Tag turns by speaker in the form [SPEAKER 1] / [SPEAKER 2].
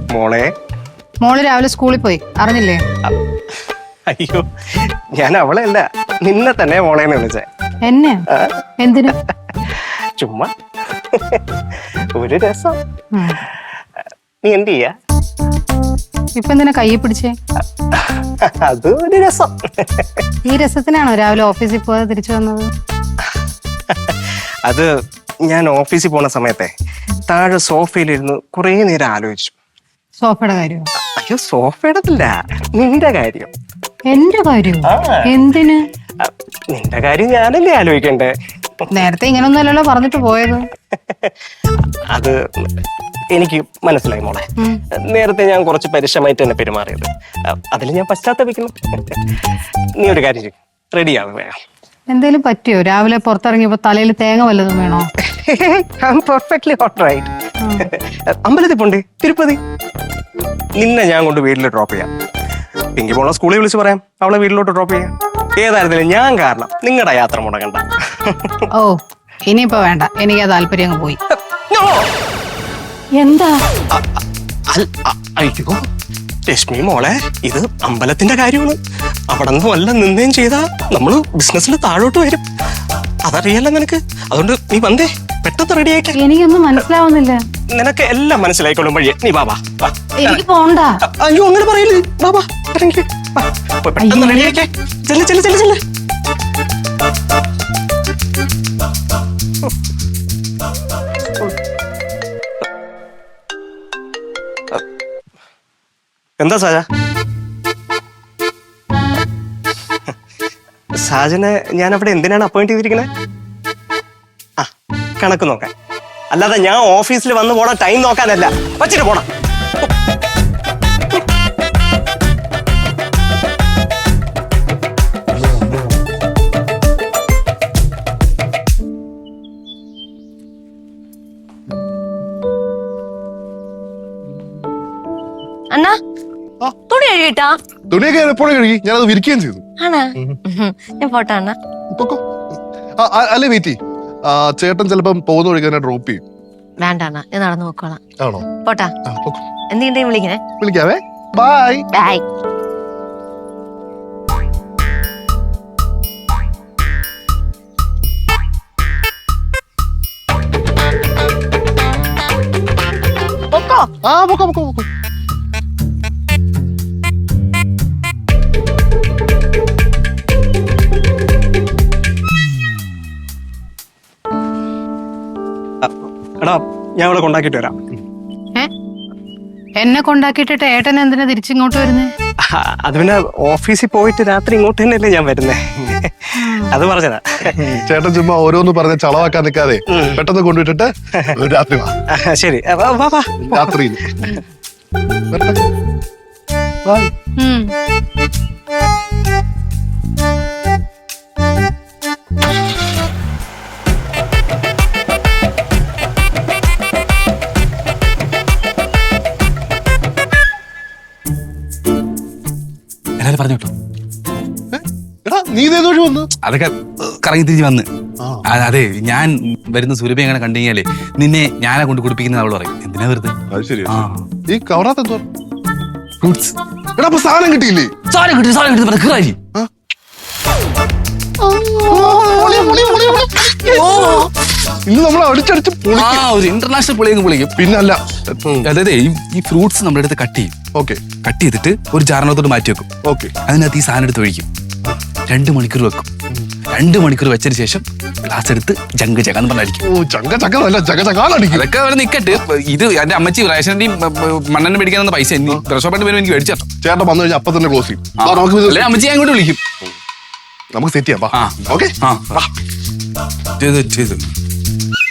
[SPEAKER 1] മോളെ.
[SPEAKER 2] മോള് രാവിലെ സ്കൂളിൽ പോയി, അറിഞ്ഞില്ലേ?
[SPEAKER 1] അയ്യോ, ഞാൻ അവളെ അല്ല, നിന്നെ തന്നെ മോളേന്ന് വിളിച്ചേ.
[SPEAKER 2] എന്നെ? എന്തിനാ?
[SPEAKER 1] ചുമ്മാ ഒരു രസം. നീ എന്ത് ചെയ്യാ?
[SPEAKER 2] ഇപ്പൊ എന്തിനാ കൈ പിടിച്ചേ?
[SPEAKER 1] അത് ഒരു രസം.
[SPEAKER 2] ഈ രസത്തിനാണോ രാവിലെ ഓഫീസിൽ പോകാതെ തിരിച്ചു വന്നത്?
[SPEAKER 1] അത് ഞാൻ ഓഫീസിൽ പോണ സമയത്തെ താഴെ സോഫയിലിരുന്ന് കുറേ നേരം ആലോചിച്ചു.
[SPEAKER 2] സോഫയുടെ കാര്യം?
[SPEAKER 1] അയ്യോ, സോഫയുടെ അല്ല, നിന്റെ കാര്യം.
[SPEAKER 2] എന്റെ കാര്യം? എന്തിന്?
[SPEAKER 1] നിന്റെ കാര്യം ഞാനല്ലേ ആലോചിക്കണ്ടേ?
[SPEAKER 2] നേരത്തെ ഇങ്ങനൊന്നും അല്ലല്ലോ പറഞ്ഞിട്ട് പോയത്.
[SPEAKER 1] അത് എനിക്ക് മനസ്സിലായി മോളെ. നേരത്തെ ഞാൻ കുറച്ച് പരുഷമായിട്ട് തന്നെ പെരുമാറിയത്. അതിൽ ഞാൻ പശ്ചാത്തപിക്കുന്നു. നീ ഒരു കാര്യം ചെയ്യും, റെഡിയാവും വേണം.
[SPEAKER 2] എന്തേലും പറ്റിയോ? രാവിലെ പുറത്തിറങ്ങിയപ്പോ തലയിൽ തേങ്ങ വല്ലതും വേണോ?
[SPEAKER 1] Perfectly all right. അമ്പലത്തിൽ പോണ്ടേ? തിരുപ്പതി. നിന്നെ ഞാൻ കൊണ്ട് വീട്ടിൽ ഡ്രോപ്പ് ചെയ്യാം. പിങ്കി മോളെ സ്കൂളിൽ വിളിച്ച് പറയാം, അവളെ വീട്ടിലോട്ട് ഡ്രോപ്പ് ചെയ്യാം. ഏതായിരുന്നാലും ഞാൻ കാരണം നിങ്ങളുടെ യാത്ര മുടങ്ങണ്ട.
[SPEAKER 2] ഓ, ഇനിയിപ്പോ വേണ്ട, എനിക്ക് ആ താല്പര്യം അങ്ങ് പോയി. എന്താ?
[SPEAKER 1] അയ്യോ രശ്മി മോളെ, ഇത് അമ്പലത്തിന്റെ കാര്യമാണ്. അവിടെ നിന്ന് വല്ല നിന്നേം ചെയ്താ നമ്മള് ബിസിനസ്സിൽ താഴോട്ട് വരും. അതറിയാലോ നിനക്ക്. അതുകൊണ്ട് നീ വന്നേ, പെട്ടെന്ന് റെഡി ആയിട്ട്.
[SPEAKER 2] എനിക്കൊന്നും മനസ്സിലാവുന്നില്ല.
[SPEAKER 1] നിനക്ക് എല്ലാം മനസ്സിലായിക്കോളും വഴിയെ. നീ ബാബാ.
[SPEAKER 2] എനിക്ക് പോണ്ട.
[SPEAKER 1] അയ്യോ, അങ്ങനെ പറയില്ലേ. ബാബാ, ഇറങ്ങി പെട്ടെന്ന് റെഡി ആയിക്കേ. ചെല്ല് ചെല്ല് ചെല്ല് ചെല്ല്. എന്താ സാജ? സാജനെ ഞാൻ അവിടെ എന്തിനാണ് അപ്പോയിന്റ് ചെയ്തിരിക്കുന്നത്? ആ, കണക്ക് നോക്കാൻ. അല്ലാതെ ഞാൻ ഓഫീസിൽ വന്ന് പോണ ടൈം നോക്കാനല്ല. വച്ചിട്ട് പോണം.
[SPEAKER 3] അണ്ണാ, തുണി കഴുകിട്ടാ?
[SPEAKER 4] തുണിയൊക്കെ എപ്പോഴും കഴുകി, ഞാനത് വിരിക്കുകയും ചെയ്തു.
[SPEAKER 3] ആണാ? ഞാൻ പോട്ടാ അണ്ണാ.
[SPEAKER 4] അല്ലേ വെയിറ്റ്, ചേട്ടൻ ചിലപ്പം പോകുന്ന വഴി തന്നെ ഡ്രോപ്പ് ചെയ്യും.
[SPEAKER 3] വേണ്ട അണ്ണാ, ഞാൻ നടന്നു നോക്കോളാം.
[SPEAKER 4] ആണോ?
[SPEAKER 3] പോട്ടാ. എന്തെങ്കിലും വിളിക്കണേ.
[SPEAKER 4] വിളിക്കാവേ. Bye
[SPEAKER 3] bye.
[SPEAKER 4] ആ, പൊക്കോ പൊക്കോ പൊക്കോ.
[SPEAKER 1] എടാ, ഞാൻ ഇവിടെ കൊണ്ടാക്കിട്ട് വരാം.
[SPEAKER 2] എന്നെ കൊണ്ടാക്കിയിട്ടിട്ട് ഏട്ടൻ എന്തിനാ തിരിച്ചിങ്ങോട്ട് വരുന്നേ?
[SPEAKER 1] അത് പിന്നെ ഓഫീസിൽ പോയിട്ട് രാത്രി ഇങ്ങോട്ട് തന്നെയല്ലേ ഞാൻ വരുന്നേ. അത് പറഞ്ഞതാ.
[SPEAKER 4] ചേട്ടൻ ചുമ്മാ ഓരോന്ന് പറഞ്ഞ ചളവാക്കാൻ നിൽക്കാതെ പെട്ടെന്ന് കൊണ്ടുവിട്ടിട്ട് രാത്രി വാ.
[SPEAKER 1] ശരി, വാ വാ.
[SPEAKER 4] രാത്രി
[SPEAKER 5] പറഞ്ഞു കേട്ടോ.
[SPEAKER 4] നീ വന്ന്
[SPEAKER 5] അതൊക്കെ കറങ്ങി തിരിഞ്ഞ് വന്ന്. അതെ, ഞാൻ വരുന്ന സുരഭി അങ്ങനെ കണ്ടു കഴിഞ്ഞാലേ നിന്നെ ഞാനാ കൊണ്ട് കുടിപ്പിക്കുന്ന അവള് പറയും. എന്തിനാ വെറുതെ?
[SPEAKER 4] ഈ കവറാത്ത എന്തോ
[SPEAKER 5] ഫ്രൂട്ട്സ്.
[SPEAKER 4] എടാ, സാധനം കിട്ടിയില്ലേ?
[SPEAKER 5] സാധനം കിട്ടി.
[SPEAKER 4] ഇന്ന് നമ്മൾ അടിച്ചടിച്ച്
[SPEAKER 5] ഒരു ഇന്റർനാഷണൽ പൊളിയെങ്കിൽ പൊളിക്കും.
[SPEAKER 4] പിന്നല്ല.
[SPEAKER 5] അതായത് ഈ ഫ്രൂട്ട്സ് നമ്മുടെ അടുത്ത് കട്ട് ചെയ്യും.
[SPEAKER 4] ഓക്കെ.
[SPEAKER 5] കട്ട് ചെയ്തിട്ട് ഒരു ജാറിനകത്തോട്ട് മാറ്റി വെക്കും.
[SPEAKER 4] ഓക്കെ.
[SPEAKER 5] അതിനകത്ത് ഈ സാധനം എടുത്ത് ഒഴിക്കും. 2 മണിക്കൂർ വെക്കും. 2 മണിക്കൂർ വെച്ചതിന് ശേഷം ഗ്ലാസ് എടുത്ത് ജങ്ക് ചക്കാന്ന് പറഞ്ഞായിരിക്കും.
[SPEAKER 4] അതൊക്കെ
[SPEAKER 5] അവരെ നിക്കട്ട്. ഇത് എന്റെ അമ്മച്ചി റേഷന്റെയും മണ്ണെണ്ണ മേടിക്കാൻ പൈസ ഷോപ്പായിട്ട് വരുമ്പോൾ എനിക്ക് മേടിച്ചു തരണം.
[SPEAKER 4] ചേട്ടൻ വന്നു കഴിഞ്ഞാൽ അപ്പൊ തന്നെ ക്ലോസ് ചെയ്യും.
[SPEAKER 5] അല്ലെ അമ്മച്ചി ഞാൻ ഇങ്ങോട്ട് വിളിക്കും.
[SPEAKER 4] നമുക്ക് സെറ്റ് ചെയ്യാം. ഓക്കെ.
[SPEAKER 5] ചെയ്തു